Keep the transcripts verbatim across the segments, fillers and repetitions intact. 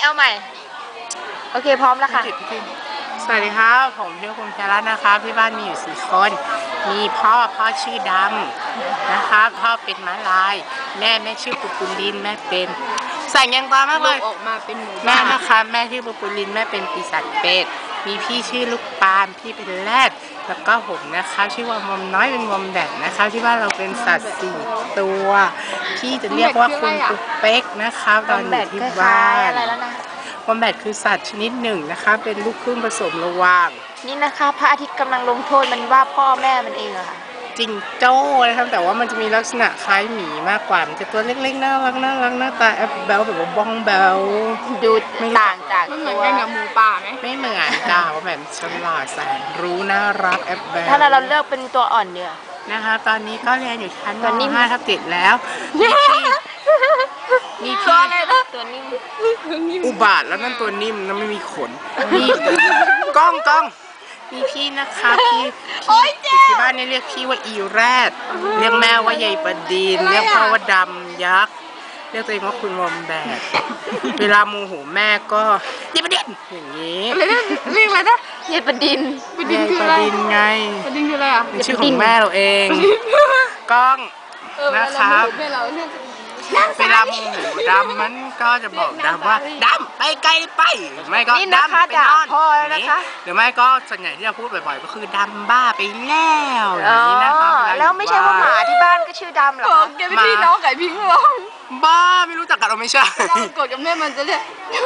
เอาใหม่โอเคพร้อมแล้วค่ะสวัสดีครับผมชื่อคุณแครัตนะครับที่บ้านมีอยู่สี่คนมีพ่อพ่อชื่อดำนะครับพ่อเป็นม้าลายแม่แม่ชื่อปุปุลินแม่เป็นใส่ยังตามากเลยออกมาเป็นหมูแม่นะคะแม่ชื่อปุปุลินแม่เป็นปีศาจเป็ดมีพี่ชื่อลูกปานพี่เป็นแรดแล้วก็ผมนะคะชื่อว่ามอมน้อยเป็นมอมแดดนะคะที่บ้านเราเป็นสัตว์สี่ตัวพี่จะเรียกว่าคุณตุ๊กเป๊กนะคะตอนอยู่ที่บ้านวอมแบทคือสัตว์ชนิดหนึ่งนะคะเป็นลูกครึ่งผสมระหว่างนี่นะคะพระอาทิตย์กำลังลงโทษมันว่าพ่อแม่มันเองอะค่ะจิงโจ้นะครับแต่ว่ามันจะมีลักษณะคล้ายหมีมากกว่ามันจะตัวเล็กๆน่ารักน่ารักหน้าตาแอปเบลแบบว่าบ้องเบลดูต่างจากเหมือนกันกับหมูป่าไหมไม่เหมือนจ้าว่าแบบฉลาดแสนรู้น่ารักแอปเบลถ้าเราเลือกเป็นตัวอ่อนเนื้อนะคะตอนนี้ก็เรียนอยู่ชั้นม.ห้าทับเจ็ดแล้วมีพี่มีพี่อะไรนะตัวนิ่มอุบาทแล้วนั่นตัวนิ่มแล้วไม่มีขนมีกล้องกล้องมีพี่นะคะพี่พี่ที่บ้านเนี่ยเรียกพี่ว่าอีแรดเรียกแม่ว่ายายประดินเรียกพ่อว่าดำยักษ์เรียกตัวเองว่าคุณวอมแบทเวลาโมโหแม่ก็ยายประดินอย่างนี้เรียกอะไรนะยายประดินประดินคืออะไรประดินไงประดินคืออะไรอ่ะเป็นชื่อของแม่เราเองกล้องนะครับเวลาโมโหดำมันก็จะบอกดำว่าดำไปไกลไปไม่ก็ดำไปนอนนะคะหรือไม่ก็ส่วนใหญ่ที่เราพูดบ่อยๆก็คือดำบ้าไปแล้วอย่างนี้นะคะแล้วไม่ใช่ว่าหมาที่บ้านก็ชื่อดำหรอแกเป็นพี่น้องไก่พิงหรอบ้าไม่รู้จักกันเราไม่ใช่กดกับแม่มันจะเรียก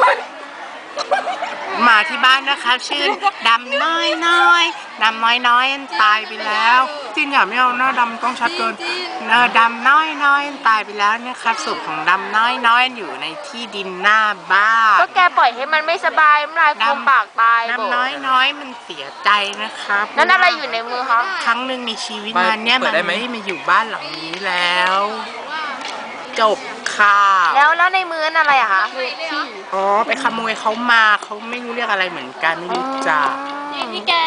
หมาที่บ้านนะคะชื่อดำน้อยน้อยดำน้อยน้อยตายไปแล้วจินอย่าไม่เอาหน้าดำต้องชัดเกินเนอดำน้อยน้อยตายไปแล้วนะครับศพของดำน้อยน้อยอยู่ในที่ดินหน้าบ้านก็แกปล่อยให้มันไม่สบายน้ำลายฟูมปากตายดำน้อยน้อยมันเสียใจนะครับนั่นอะไรอยู่ในมือคะครั้งหนึ่งในชีวิตมันเนี่ยมันไม่ได้มาอยู่บ้านหลังนี้แล้วจบค่ะแล้วแล้วในมือนั่นอะไรอะคะอ๋อไปขโมยเขามาเขาไม่รู้เรียกอะไรเหมือนกันไม่รู้จักนี่แก